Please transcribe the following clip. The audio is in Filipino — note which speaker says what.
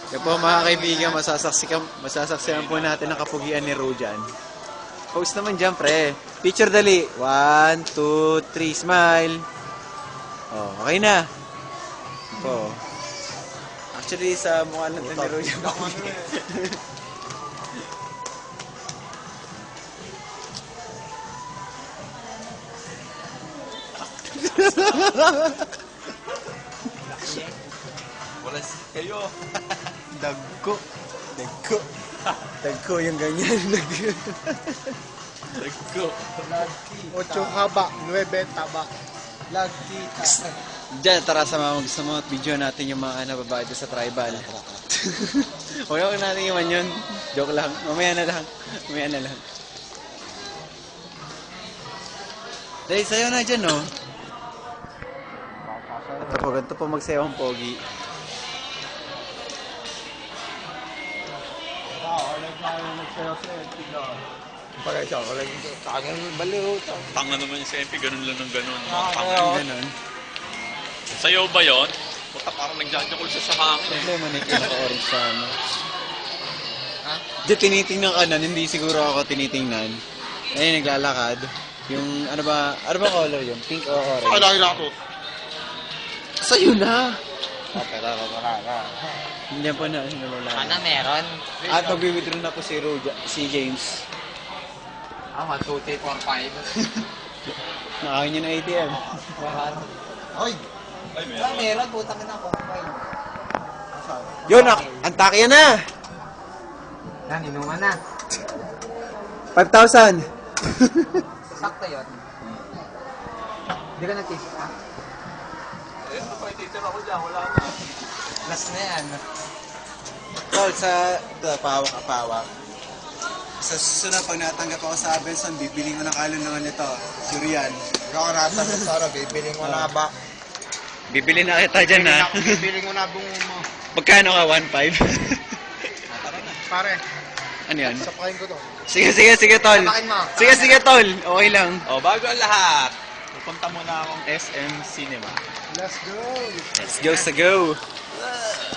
Speaker 1: Kaya po mga kaibigan, masasaksikan po natin ang kapugian ni Rojan. Post naman dyan, pre. Picture dali. 1, 2, 3, smile. Oh, okay na. Po. Actually, sa mukha natin ni Rojan.
Speaker 2: Wala kayo.
Speaker 1: Dagko. Dagko. Dagko yung ganyan.
Speaker 2: Nagko.
Speaker 3: 8 haba, 9 taba. Lagi
Speaker 1: Diyan, tara sa mga gusto mo at video natin yung mga babae doon sa tribal. Huwag natin iwan yun. Joke lang. Mamaya na lang. Mamaya na lang. Dahil sa'yo na dyan, no? Ganito po magsayaw ang pogi.
Speaker 3: Pagka siya, wala yung tangan, baliw.
Speaker 2: Tanga naman yung MP, ganun lang ng ganun.
Speaker 1: Ganon.
Speaker 2: Sayaw ba yun? Puta, parang nagjajakol siya sa hangin eh.
Speaker 1: Problema na yung pinaka-orange sa ano. Diyan tinitingnan ka na, hindi siguro ako tinitingnan. Ayun, naglalakad. Yung, ano ba color yun? Pink o orange?
Speaker 3: Ay, laki na ako.
Speaker 1: Sa'yo na!
Speaker 3: Tara.
Speaker 1: Hindi po na, nalala.
Speaker 4: Ano meron?
Speaker 1: At mag-withdraw na po si James.
Speaker 4: 1, 2, 3, 4, 5.
Speaker 1: Nakain niya ng ATM.
Speaker 3: Ay!
Speaker 2: Ay,
Speaker 4: Meron, putang na ako.
Speaker 1: Yun, antakya na!
Speaker 4: Yan, inuman na.
Speaker 1: 5,000!
Speaker 4: Sakto yun. Hindi ka nag-taste pa?
Speaker 2: Eh, napakititir ako dyan, wala na.
Speaker 4: Last na yan.
Speaker 1: Tol, pawak. Sa susunod, pag natanggap ako sa Abenson, bibiling ko ng kalunungan nito. Surian.
Speaker 3: Ikaw nasa sana, bibiling mo na ba?
Speaker 1: Bibili na kita dyan, ha?
Speaker 3: Bibiling mo na bungo mo.
Speaker 1: Magkano ka? 1,500?
Speaker 3: Pare,
Speaker 1: Ano yan?
Speaker 3: sapakin ko to.
Speaker 1: Sige, tol.
Speaker 4: Sapakin mo.
Speaker 1: Sige, tol. Okay lang.
Speaker 2: Oh, bago ang lahat, pupunta muna akong SM Cinema.
Speaker 3: Let's go!
Speaker 1: Let's go.